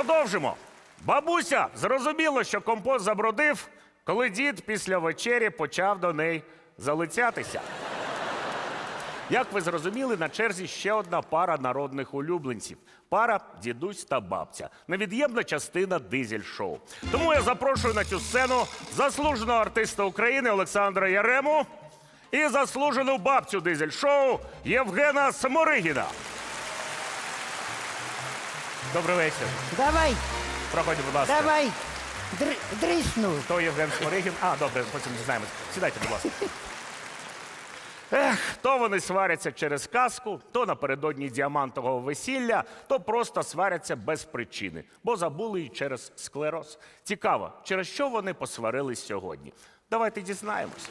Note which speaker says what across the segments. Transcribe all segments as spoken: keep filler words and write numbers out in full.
Speaker 1: продовжимо. Бабуся зрозуміло, що компот забродив, коли дід після вечері почав до неї залицятися. Як ви зрозуміли, на черзі ще одна пара народних улюбленців. Пара дідусь та бабця. Невід'ємна частина дизель-шоу. Тому я запрошую на цю сцену заслуженого артиста України Олександра Ярему і заслужену бабцю дизель-шоу Євгена Сморигіна. Добрий вечір.
Speaker 2: Давай,
Speaker 1: Проходьте, будь ласка.
Speaker 2: давай, др дрисну.
Speaker 1: Хто Євген Сморигін? А, добре, потім дізнаємось. Сідайте, будь ласка. Ех, то вони сваряться через казку, то напередодні діамантового весілля, то просто сваряться без причини, бо забули й через склероз. Цікаво, через що вони посварились сьогодні? Давайте дізнаємось.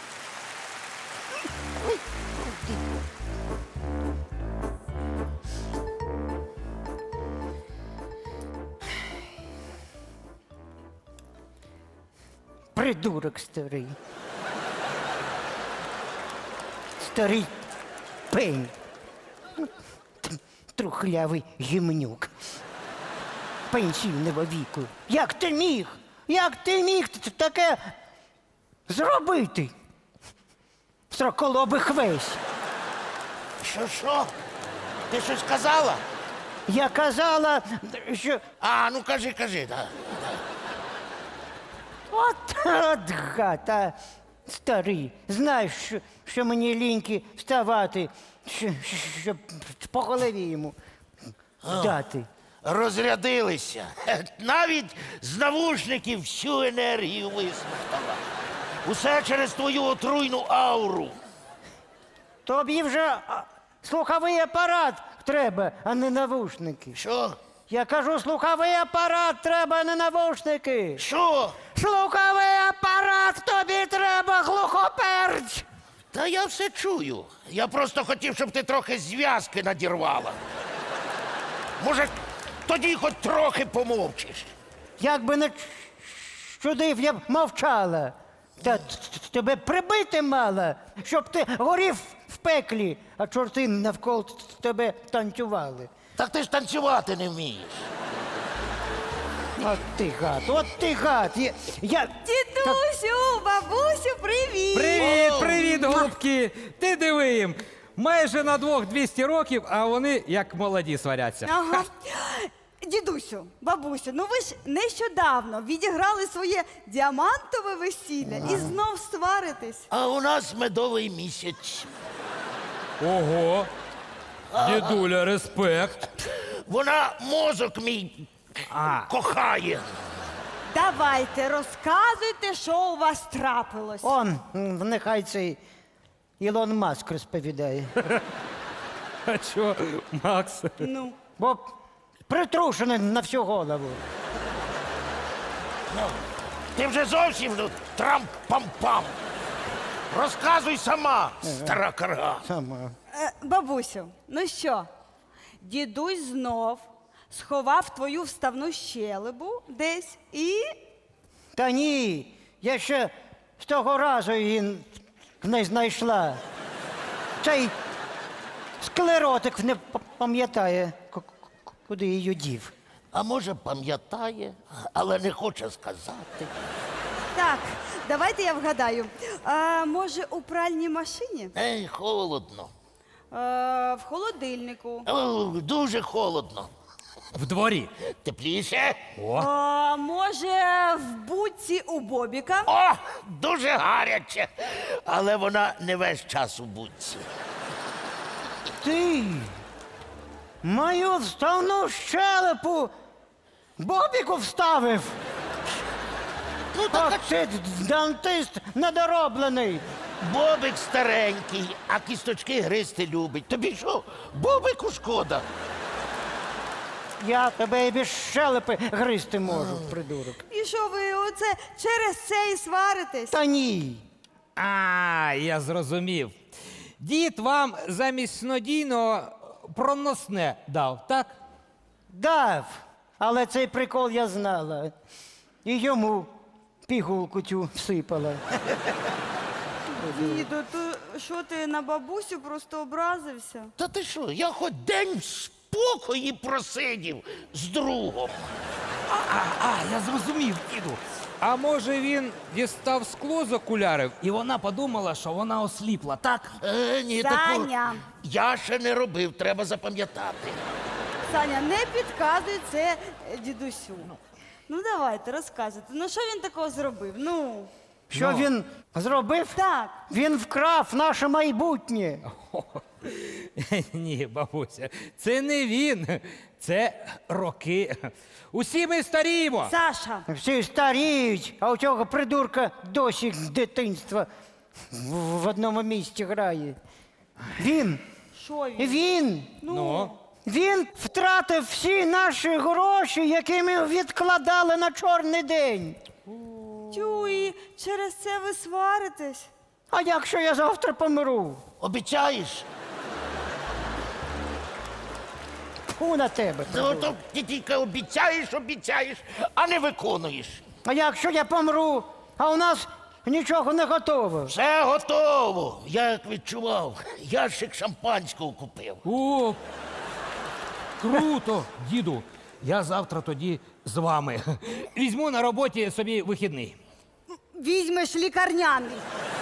Speaker 2: Придурок старий. Старий пень. Трухлявий гімнюк. Пенсійного віку. Як ти міг? Як ти міг т- таке зробити? Сроколобих весь.
Speaker 3: Що, що? Ти щось казала?
Speaker 2: Я казала, що
Speaker 3: А, ну кажи, кажи, да.
Speaker 2: от, от гад, а старий. Знаєш, що, що мені ліньки вставати, що, щоб по голові йому дати.
Speaker 3: Розрядилися. Навіть з навушників всю енергію висмоктала. Усе через твою отруйну ауру.
Speaker 2: Тобі вже а, слуховий апарат треба, а не навушники.
Speaker 3: Що?
Speaker 2: Я кажу, слуховий апарат треба, а не навушники.
Speaker 3: Що?
Speaker 2: Слуховий апарат тобі треба, глухоперч.
Speaker 3: Та я все чую. Я просто хотів, щоб ти трохи зв'язки надірвала. Може, тоді хоч трохи помовчиш.
Speaker 2: Як не ч- чудив, я б мовчала. Та т- т- тебе прибити мало, щоб ти горів в пеклі, а чорти навколо т- тебе танцювали.
Speaker 3: Так ти ж танцювати не вмієш.
Speaker 2: От ти гад, от ти гад. Я, я...
Speaker 4: Дідусю, бабусю, привіт!
Speaker 5: Привіт, привіт, голубки! Ти диви їм. Майже на двох двісті років, а вони як молоді сваряться.
Speaker 4: Ага. Дідусю, бабусю, ну ви ж нещодавно відіграли своє діамантове весілля і знов сваритесь.
Speaker 3: А у нас медовий місяць.
Speaker 5: Ого! Дідуля, респект.
Speaker 3: Вона мозок мій кохає.
Speaker 4: Давайте, розказуйте, що у вас трапилось.
Speaker 2: Он, м, нехай цей Ілон Маск розповідає.
Speaker 5: А що, Макс?
Speaker 4: Ну,
Speaker 2: Бо притрушений на всю голову.
Speaker 3: Ну, ти вже зовсім ну, трам-пам-пам. Розказуй сама, стара карга.
Speaker 2: Сама.
Speaker 4: е, бабусю, ну що, дідусь знов сховав твою вставну щелепу десь і...
Speaker 2: Та ні, я ще з того разу її не знайшла. Цей склеротик не п- пам'ятає, к- к- куди її дів.
Speaker 3: А може, пам'ятає, але не хоче сказати.
Speaker 4: Так, давайте я вгадаю. А, може, у пральній машині?
Speaker 3: Ей, холодно.
Speaker 4: А, в холодильнику?
Speaker 3: О, дуже холодно.
Speaker 5: В дворі.
Speaker 3: Тепліше?
Speaker 4: А, може, в будці у Бобіка?
Speaker 3: О, дуже гаряче. Але вона не весь час у будці.
Speaker 2: Ти мою вставну щелепу Бобіку вставив.
Speaker 3: Ну так,
Speaker 2: От ти дантист недороблений.
Speaker 3: Бобик старенький, а кісточки гризти любить. Тобі що, Бобику шкода?
Speaker 2: Я тебе і без щелепи гризти можу, придурок.
Speaker 4: І що ви оце через це і сваритесь?
Speaker 2: Та ні.
Speaker 5: А, я зрозумів. Дід вам замість снодійного проносне дав, так?
Speaker 2: Дав, але цей прикол я знала. І йому пігулку цю всипала.
Speaker 4: Діду, то що ти на бабусю просто образився?
Speaker 3: Та ти що, я хоч день покої просидів з другом.
Speaker 5: А, а, я зрозумів, діду. А може він дістав скло з окулярів, і вона подумала, що вона осліпла, так?
Speaker 3: Е, ні,
Speaker 4: Саня.
Speaker 3: такого я ще не робив, треба запам'ятати.
Speaker 4: Саня, не підказуй це е, дідусю. Ну давайте, розказуйте. Ну що він такого зробив? Ну,
Speaker 2: Що він зробив?
Speaker 4: так.
Speaker 2: Він вкрав наше майбутнє.
Speaker 5: Ні, бабуся, це не він, це роки. Усі ми старіємо.
Speaker 4: Саша,
Speaker 2: Всі старіють, а у цього придурка досі з дитинства в, в одному місці грає. Він,
Speaker 4: що він?
Speaker 2: він,
Speaker 5: Ну,
Speaker 2: він втратив всі наші гроші, які ми відкладали на чорний день.
Speaker 4: Тю, і через це ви сваритесь?
Speaker 2: А якщо я завтра помру?
Speaker 3: Обіцяєш?
Speaker 2: Фу на тебе.
Speaker 3: Ну, то ти тільки обіцяєш, обіцяєш, а не виконуєш.
Speaker 2: А якщо я помру, а у нас нічого не готово?
Speaker 3: Все готово. Я як відчував, ящик шампанського купив.
Speaker 5: о, круто, діду. Я завтра тоді з вами. Візьму на роботі собі вихідний.
Speaker 4: Візьмеш лікарняний.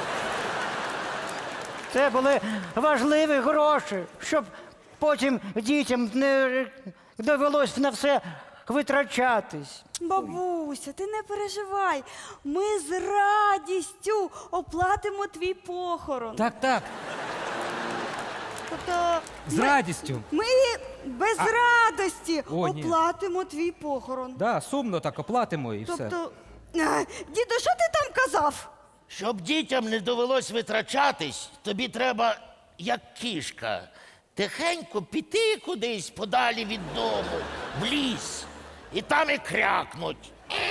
Speaker 2: Це були важливі гроші, щоб потім дітям не довелось на все витрачатись.
Speaker 4: Бабуся, ти не переживай. Ми з радістю оплатимо твій похорон.
Speaker 5: Так, так,
Speaker 4: Тобто
Speaker 5: з
Speaker 4: ми,
Speaker 5: радістю.
Speaker 4: ми без радості
Speaker 5: О, ні.
Speaker 4: оплатимо твій похорон.
Speaker 5: Да, сумно так оплатимо і все.
Speaker 4: Тобто, е, діду, що ти там казав?
Speaker 3: Щоб дітям не довелось витрачатись, тобі треба, як кішка, тихенько піти кудись подалі від дому, в ліс, і там і крякнуть.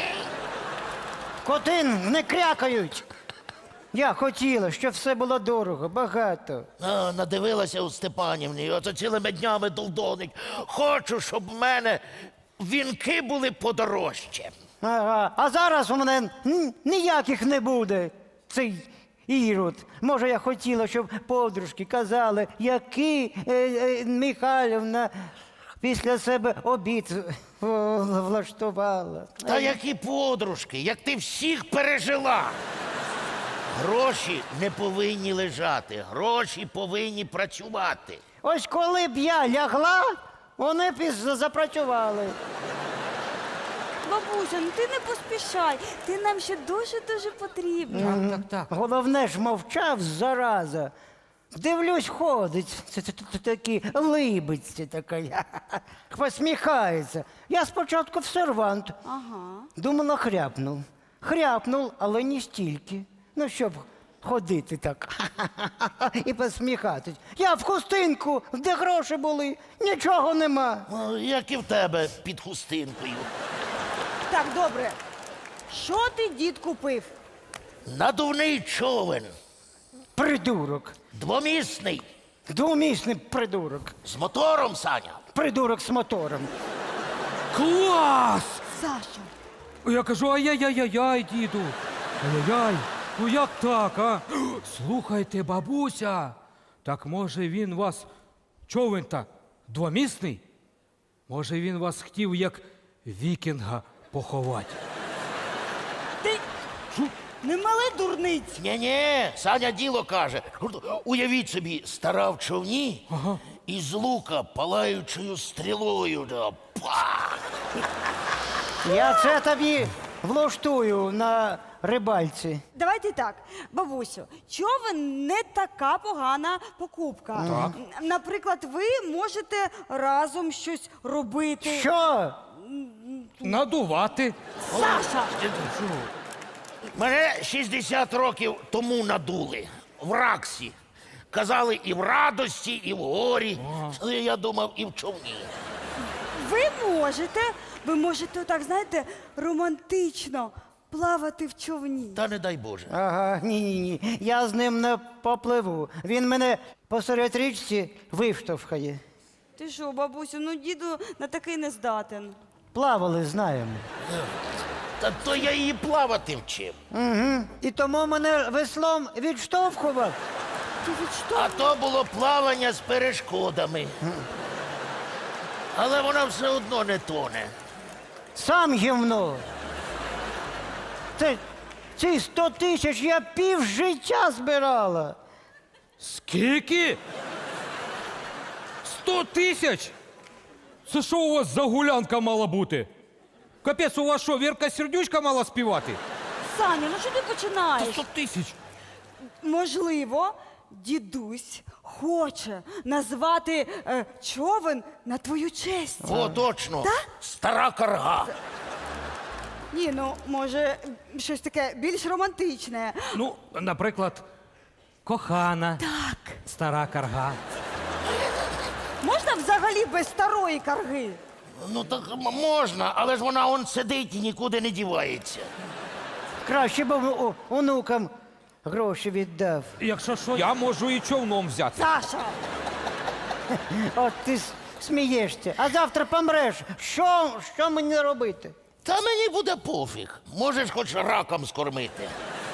Speaker 2: Коти не крякають. Я хотіла, щоб все було дорого, багато.
Speaker 3: А, надивилася у Степанівні, ото цілими днями долдонить. Хочу, щоб в мене вінки були подорожче.
Speaker 2: Ага. А зараз у мене н- ніяких не буде. Цей ірод. Може, я хотіла, щоб подружки казали, який е, е, Михайлівна після себе обід в- влаштувала.
Speaker 3: Та які подружки, як ти всіх пережила. Гроші не повинні лежати, гроші повинні працювати.
Speaker 2: Ось коли б я лягла, вони б і з- запрацювали.
Speaker 4: Бабуся, ну ти не поспішай. Ти нам ще дуже-дуже потрібна.
Speaker 5: Так, так, так.
Speaker 2: Головне ж мовчав, зараза. Дивлюсь, ходить. Це, це, це такі либиться така. Посміхається. Я спочатку в сервант.
Speaker 4: Ага.
Speaker 2: Думала, хряпнув. Хряпнув, але не стільки. Ну, щоб ходити так і посміхатись. Я в хустинку, де гроші були, нічого нема.
Speaker 3: Ну, як і в тебе під хустинкою.
Speaker 4: Так, добре. Що ти, дід, купив?
Speaker 3: Надувний човен,
Speaker 2: Придурок.
Speaker 3: двомісний,
Speaker 2: Двомісний придурок.
Speaker 3: з мотором, Саня.
Speaker 2: Придурок з мотором.
Speaker 5: Клас!
Speaker 4: Саша.
Speaker 5: Я кажу, ай-яй-яй-яй, діду. Ай-яй-яй, ну як так, а? Слухайте, бабуся, так може він вас, човен так, двомісний? Може він вас хотів як вікінга поховати?
Speaker 4: Ти не мали дурниць.
Speaker 3: Ні-ні, Саня діло каже. Уявіть собі, стара в човні і з лука палаючою стрілою. Да, пах!
Speaker 2: Я це тобі влаштую на рибальці.
Speaker 4: Давайте так, бабусю, човен не така погана покупка. Н- Наприклад, ви можете разом щось робити.
Speaker 2: Що?
Speaker 5: Надувати.
Speaker 4: Саша!
Speaker 3: Мене шістдесят років тому надули в Раксі. Казали і в радості, і в горі. Але я думав, і в човні.
Speaker 4: Ви можете, ви можете так, знаєте, романтично плавати в човні.
Speaker 3: Та не дай Боже.
Speaker 2: Ага, ні-ні-ні. Я з ним не попливу. Він мене посеред річці виштовхає.
Speaker 4: Ти що, бабусю, ну діду на такий не здатен.
Speaker 2: Плавали, знаємо.
Speaker 3: Та то я її плавати вчив.
Speaker 2: Угу. І тому мене веслом відштовхував.
Speaker 4: Ти від що?
Speaker 3: А то було плавання з перешкодами. Але вона все одно не тоне.
Speaker 2: Сам гівно. Це, ці сто тисяч я пів життя збирала.
Speaker 5: Скільки? Сто тисяч? Це що у вас за гулянка мала бути? Капець, у вас що, Вірка Сердючка мала співати?
Speaker 4: Саня, ну що ти починаєш?
Speaker 5: Сто тисяч.
Speaker 4: Можливо, дідусь хоче назвати е, човен на твою честь.
Speaker 3: О, точно.
Speaker 4: Так?
Speaker 3: Стара карга.
Speaker 4: Ні, ну може щось таке більш романтичне.
Speaker 5: Ну, наприклад, кохана.
Speaker 4: Так.
Speaker 5: Стара карга.
Speaker 4: Можна взагалі без старої карги?
Speaker 3: Ну так м- можна, але ж вона он сидить і нікуди не дівається.
Speaker 2: Краще б о- онукам гроші віддав.
Speaker 5: Якщо що, я можу і човном взяти.
Speaker 4: Саша!
Speaker 2: От ти с- смієшся, а завтра помреш. Що, що мені робити?
Speaker 3: Та мені буде пофіг. Можеш хоч раком скормити.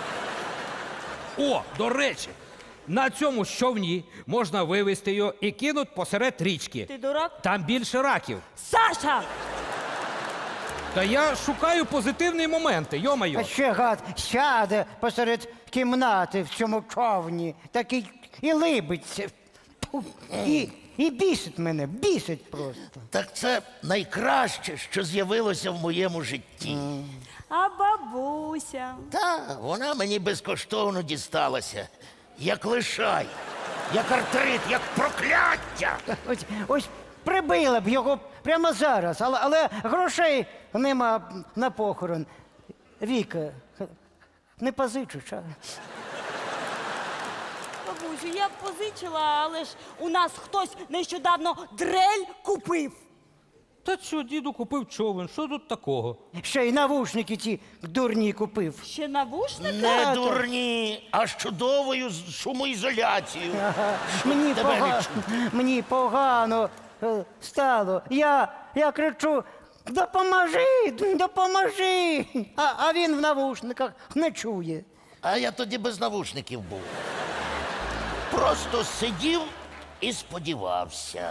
Speaker 5: О, до речі, на цьому човні можна вивезти його і кинуть посеред річки.
Speaker 4: Ти дурак?
Speaker 5: Там більше раків.
Speaker 4: Саша!
Speaker 5: Та я шукаю позитивні моменти, йо-моє.
Speaker 2: А ще гад сяде посеред кімнати в цьому човні, такий і либиться. Тьфу, І, і бісить мене, бісить просто.
Speaker 3: Так це найкраще, що з'явилося в моєму житті.
Speaker 4: А бабуся?
Speaker 3: Та вона мені безкоштовно дісталася. Як лишай, як артрит, як прокляття.
Speaker 2: Ось, ось прибила б його прямо зараз, але, але грошей нема на похорон. Віка, не позичиш, а?
Speaker 4: Бабусю, я б позичила, але ж у нас хтось нещодавно дрель купив.
Speaker 5: Та що, діду купив човен, що тут такого?
Speaker 2: Ще й навушники ці дурні купив.
Speaker 4: Ще навушники?
Speaker 3: Не
Speaker 2: Тато.
Speaker 3: дурні, а з чудовою з- шумоізоляцією.
Speaker 2: Мені,
Speaker 3: тебе не
Speaker 2: пога... Мені погано е, стало. Я, я кричу: допоможи, допоможи. А, а він в навушниках не чує.
Speaker 3: А я тоді без навушників був. Просто сидів і сподівався.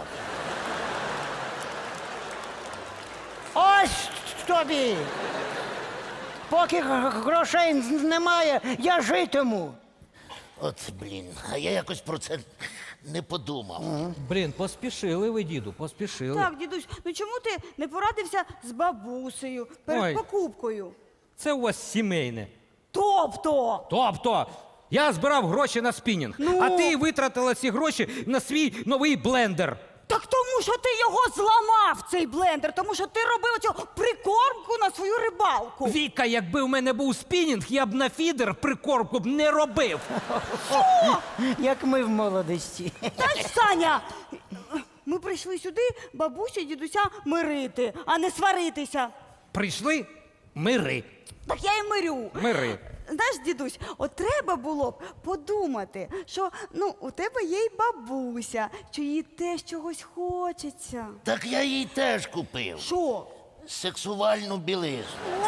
Speaker 2: Ось тобі. Поки г- грошей немає, я житиму.
Speaker 3: От блін, а я якось про це не подумав.
Speaker 5: Блін, поспішили ви, діду, поспішили.
Speaker 4: Так, дідусь, ну чому ти не порадився з бабусею перед
Speaker 5: Ой.
Speaker 4: покупкою?
Speaker 5: Це у вас сімейне.
Speaker 4: Тобто,
Speaker 5: Тобто, я збирав гроші на спінінг,
Speaker 4: Ну?
Speaker 5: а ти витратила ці гроші на свій новий блендер.
Speaker 4: так тому що ти його зламав, цей блендер, тому що ти робив цю прикормку на свою рибалку.
Speaker 5: Віка, якби в мене був спінінг, я б на фідер прикормку б не робив.
Speaker 2: Як ми в молодості.
Speaker 4: Та ж, Саня, ми прийшли сюди бабусю і дідуся мирити, а не сваритися.
Speaker 5: Прийшли мири.
Speaker 4: Так я і мирю.
Speaker 5: Мири.
Speaker 4: Знаєш, дідусь, от треба було б подумати, що ну у тебе є й бабуся, що їй теж чогось хочеться.
Speaker 3: Так я їй теж купив.
Speaker 4: Що?
Speaker 3: Сексуальну білизну.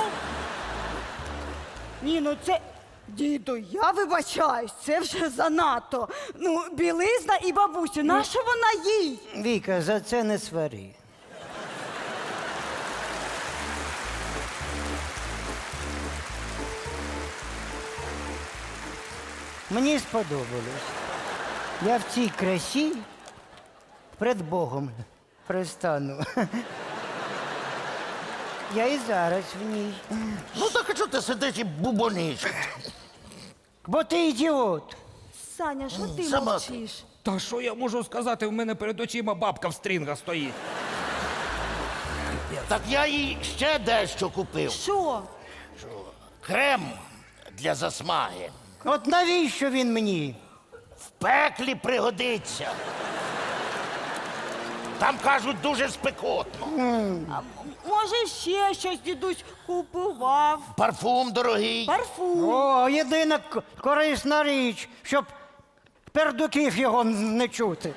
Speaker 4: Ні, ну це. Діду, я вибачаюсь, це вже занадто. Ну, білизна і бабусю, нащо вона їй?
Speaker 2: Віка, за це не свари. Мені сподобалось. Я в цій красі перед Богом пристану. Я і зараз в ній.
Speaker 3: Ну так а чого ти сидиш і бубониш?
Speaker 2: Бо ти ідіот.
Speaker 4: Саня, що ти
Speaker 3: Сама
Speaker 4: мовчиш?
Speaker 5: Та що я можу сказати? В мене перед очима бабка в стрінгах стоїть.
Speaker 3: Так я їй ще дещо купив.
Speaker 4: Що?
Speaker 3: Крем для засмаги.
Speaker 2: От навіщо він мені?
Speaker 3: В пеклі пригодиться. Там кажуть дуже спекотно.
Speaker 4: Може, ще щось дідусь купував?
Speaker 3: Парфум дорогий.
Speaker 4: Парфум.
Speaker 2: О, єдина к- корисна річ, щоб пердуків його н- не чути.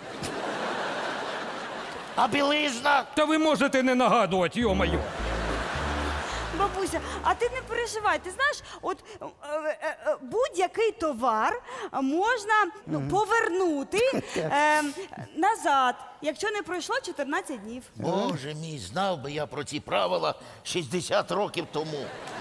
Speaker 3: А білизна?
Speaker 5: Та ви можете не нагадувати, йо-моє.
Speaker 4: Бабуся, а ти не переживай. Ти знаєш, от е, е, е, будь-який товар можна ну, повернути е, назад, якщо не пройшло чотирнадцять днів.
Speaker 3: Боже мій, знав би я про ці правила шістдесят років тому.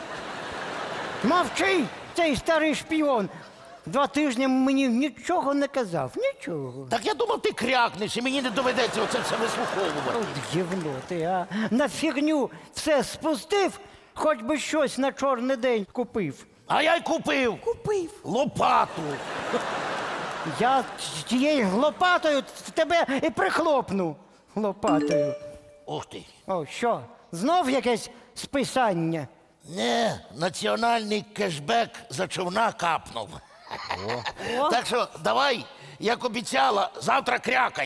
Speaker 2: Мовчи, цей старий шпіон. Два тижні мені нічого не казав. Нічого.
Speaker 3: Так я думав, ти крякнеш, і мені не доведеться оце все вислуховувати.
Speaker 2: От гівно ти, а. На фігню все спустив, хоч би щось на чорний день купив.
Speaker 3: А я й купив
Speaker 4: Купив.
Speaker 3: лопату.
Speaker 2: Я з тією лопатою в тебе і прихлопну. Лопатою.
Speaker 3: Ух ти.
Speaker 2: О, що? Знов якесь списання?
Speaker 3: Не, національний кешбек за човна капнув. Так що давай, як обіцяла, завтра крякай.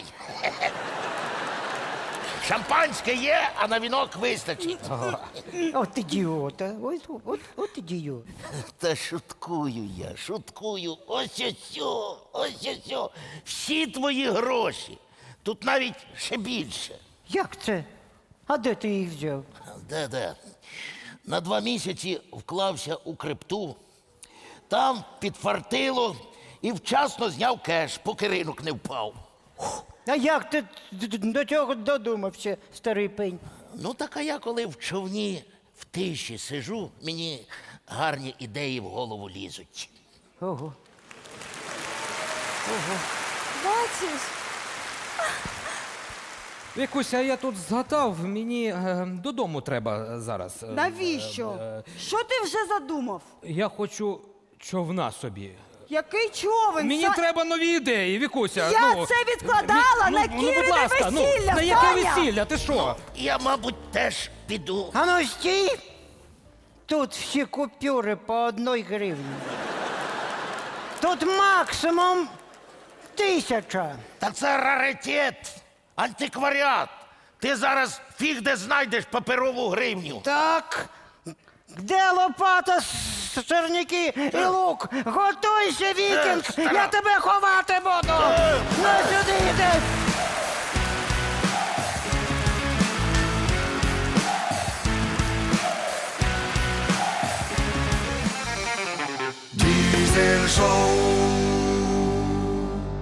Speaker 3: Шампанське є, а на вінок вистачить.
Speaker 2: От ідіота. Ось, от, от ідіот.
Speaker 3: Та шуткую я, шуткую. Ось ось, о, ось ось. о. Всі твої гроші. Тут навіть ще більше.
Speaker 2: Як це? А де ти їх взяв?
Speaker 3: Де-де? На два місяці вклався у крипту, там підфартило і вчасно зняв кеш, поки ринок не впав.
Speaker 2: А як ти д- д- до цього додумався, старий пень?
Speaker 3: Ну, так а я коли в човні в тиші сижу, мені гарні ідеї в голову лізуть.
Speaker 2: Ого.
Speaker 4: Бачиш?
Speaker 5: Вікуся, я тут згадав, мені е, додому треба зараз. Е,
Speaker 4: Навіщо? Що ти вже задумав?
Speaker 5: Я хочу човна собі.
Speaker 4: Який човен?
Speaker 5: Мені
Speaker 4: Са-
Speaker 5: треба нові ідеї, Вікуся.
Speaker 4: Я
Speaker 5: ну,
Speaker 4: це відкладала
Speaker 5: Ві-
Speaker 4: на
Speaker 5: ну, ну,
Speaker 4: Кірине
Speaker 5: будь ласка,
Speaker 4: весілля,
Speaker 5: Ну, на яке
Speaker 4: Саня!
Speaker 5: весілля? Ти що?
Speaker 3: Я, мабуть, теж піду.
Speaker 2: А ну стій! Тут всі купюри по одній гривні. Тут максимум тисяча.
Speaker 3: Та це раритет, антикваріат. Ти зараз фіг де знайдеш паперову гривню.
Speaker 2: Так. Де лопата, с- сирники і лук? Готуйся, вікінг!
Speaker 3: стара.
Speaker 2: Я тебе ховати буду! На сюди йди!